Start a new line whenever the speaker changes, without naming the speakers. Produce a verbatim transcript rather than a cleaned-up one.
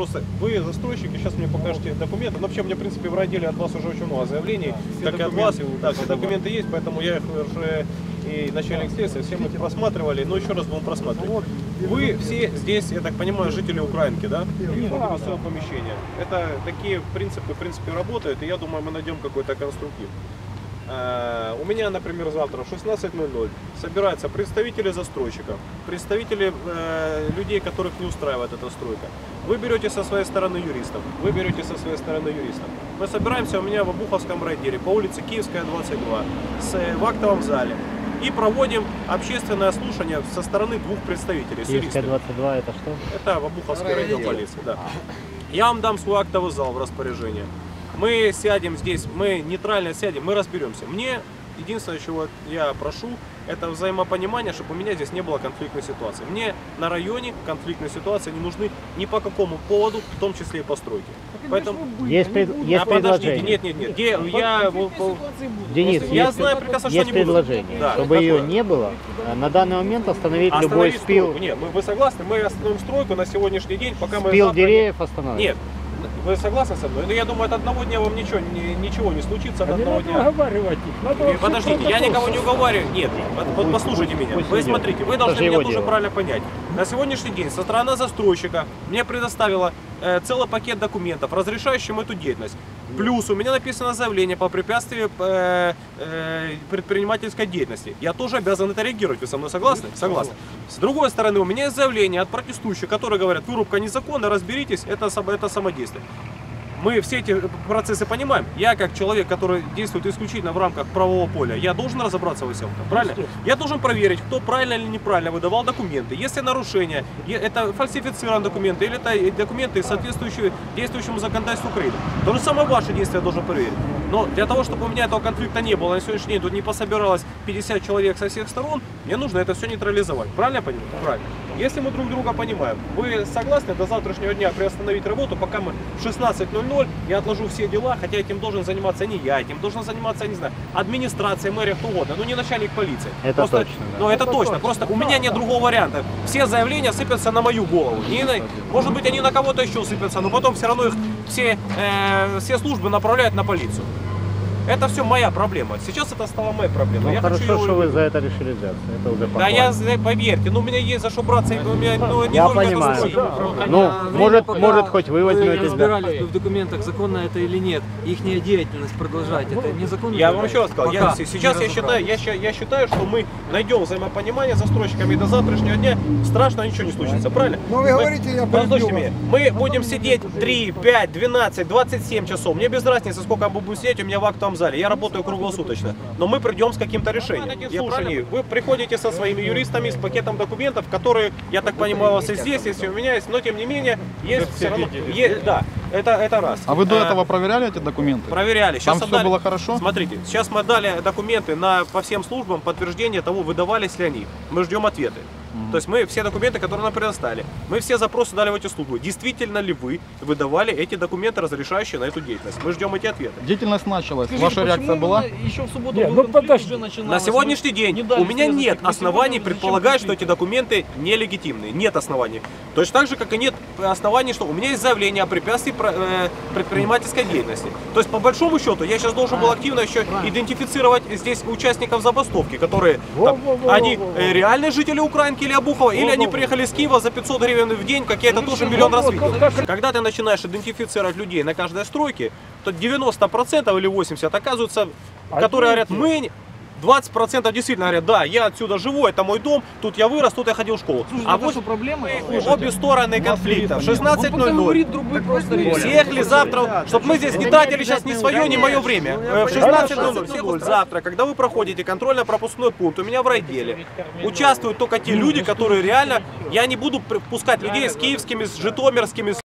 просто вы застройщики, сейчас мне покажете документы. Но вообще, мне, в принципе, в райделе от вас уже очень много заявлений, как и от вас. Да, все документы есть, поэтому я их уже и начальник следствия, все мы их просматривали, но еще раз будем просматривать. Вы все здесь, я так понимаю, жители Украинки, да? В своем помещении. Это такие принципы, в принципе, работают, и я думаю, мы найдем какой-то конструктив. У меня, например, завтра в шестнадцать ноль ноль собираются представители застройщиков, представители э, людей, которых не устраивает эта стройка. Вы берете со своей стороны юристов, вы берете со своей стороны юристов. Мы собираемся у меня в Обуховском райделе по улице Киевская, двадцать два, с, в актовом зале. И проводим общественное слушание со стороны двух представителей.
Киевская двадцать два это что?
Это в Обуховский райдел полиции, да. Я вам дам свой актовый зал в распоряжение. Мы сядем здесь, мы нейтрально сядем, мы разберемся. Мне единственное, чего я прошу, это взаимопонимание, чтобы у меня здесь не было конфликтной ситуации. Мне на районе конфликтной ситуации не нужны ни по какому поводу, в том числе и постройки. Поэтому...
Есть, пред... есть
а, подождите,
предложение.
нет, нет, нет. Я, я,
Денис,
я
есть,
знаю прекрасно, что
есть
не буду.
предложение,
Да,
чтобы
какое?
ее не было, на данный момент остановить
Остановить
любой спил.
стройку. Нет, мы, вы согласны? Мы остановим стройку на сегодняшний день, пока мы...
Спил
завтра...
деревьев остановить.
Нет. Вы согласны со мной? Но я думаю, от одного дня вам ничего не, ничего не случится. От
а
одного
не
дня.
уговаривать их. Надо
Подождите, я никого не уговариваю. Нет, вот, вот послушайте меня.
пусть
Вы
идет.
смотрите, вы
Это
должны
же
меня
его
тоже
дело.
правильно понять. На сегодняшний день со стороны застройщика мне предоставила э, целый пакет документов, разрешающим эту деятельность. Плюс у меня написано заявление по препятствию э, э, предпринимательской деятельности. Я тоже обязан это реагировать. Вы со мной согласны? Согласны. С другой стороны, у меня есть заявление от протестующих, которые говорят, вырубка незаконна, разберитесь, это, это самодействие. Мы все эти процессы понимаем. Я, как человек, который действует исключительно в рамках правового поля, я должен разобраться во всем этом, правильно? Я должен проверить, кто правильно или неправильно выдавал документы. Если нарушение, это фальсифицированные документы или это документы, соответствующие действующему законодательству Украины. То же самое ваши действия я должен проверить. Но для того, чтобы у меня этого конфликта не было, на сегодняшний день тут не пособиралось пятьдесят человек со всех сторон, мне нужно это все нейтрализовать. Правильно я понимаю? Правильно. Если мы друг друга понимаем, вы согласны до завтрашнего дня приостановить работу, пока мы в шестнадцать ноль ноль, я отложу все дела, хотя этим должен заниматься не я, этим должен заниматься, не знаю, администрация, мэрия, кто угодно, но не начальник полиции.
Это
просто,
точно, да.
Ну это,
Это
точно,
точно.
просто у меня нет другого варианта. Все заявления сыпятся на мою голову. Не на, может быть, они на кого-то еще сыпятся, но потом все равно их все, э, все службы направляют на полицию. Это все моя проблема. Сейчас это стала моя проблема.
Ну,
я
хорошо,
хочу ее...
что вы за это решили взяться. Это уже
Да,
похвально.
я, поверьте, ну у меня есть за что браться, и у меня ну, не
Я
только
понимаю.
это стройка.
Ну,
А
может,
время,
может,
пока
хоть вы
вы
возьметесь. Да.
разбирались бы в документах, законно это или нет, их деятельность продолжать, это незаконно?
Я вам еще раз сказал, я,
Пока
сейчас
не
я считаю, я, ща- я считаю, что мы найдем взаимопонимание с застройщиками, и до завтрашнего дня страшно ничего не случится, правильно?
Но вы
Мы-
говорите, я
Послушайте
перебью
меня, мы будем сидеть три, пять, двенадцать, двадцать семь часов, мне без разницы, сколько мы будем сидеть, у меня в актовом зале, я работаю круглосуточно, но мы придем с каким-то решением. Я слушаю, вы приходите со своими юристами, с пакетом документов, которые, я так понимаю, у вас и здесь, если у меня есть, но тем не менее, есть все равно, есть, да, это, это раз.
А вы до
Э,
этого проверяли эти документы?
Проверяли. Сейчас
Там все
отдали-
было хорошо?
Смотрите, сейчас мы дали документы на, по всем службам, подтверждение того, выдавались ли они. Мы ждем ответы. То есть мы все документы, которые нам предоставили, мы все запросы дали в эти службы. Действительно ли вы выдавали эти документы, разрешающие на эту деятельность? Мы ждем эти ответы.
Деятельность началась.
Скажите,
Ваша реакция
почему
была?
Еще в субботу
Нет,
был
ну
конфликт,
подожди.
уже начиналось,
На сегодняшний
вы
день
не дали
у меня
сказать,
нет
мы
оснований
сегодня
предполагать, что
зачем
эти документы нелегитимные. Нет оснований. Точно так же, как и нет оснований, что у меня есть заявление о препятствии про- э, предпринимательской деятельности. То есть, по большому счету, я сейчас должен был активно еще идентифицировать здесь участников забастовки, которые там,
Во-во-во-во-во.
они э, реальные жители Украинки или Обухова, или они приехали из Киева за пятьсот гривен в день, как я это тоже миллион раз видел. Когда ты начинаешь идентифицировать людей на каждой стройке, то девяносто процентов или восемьдесят процентов оказываются, которые говорят, мы... двадцать процентов действительно говорят, да, я отсюда живу, это мой дом, тут я вырос, тут я ходил в школу.
Слушай,
А
это
вот
что, проблема?
обе стороны конфликта. В шестнадцать
Он
ноль
пока
ноль.
говорит другой просто речь.
Всех ли завтра, чтобы мы здесь не тратили сейчас ни свое, ни мое время. Э, В шестнадцать ноль ноль всех вот завтра, когда вы проходите контрольно-пропускной пункт у меня в райделе, участвуют только те люди, которые реально, я не буду пускать людей с киевскими, с житомирскими, с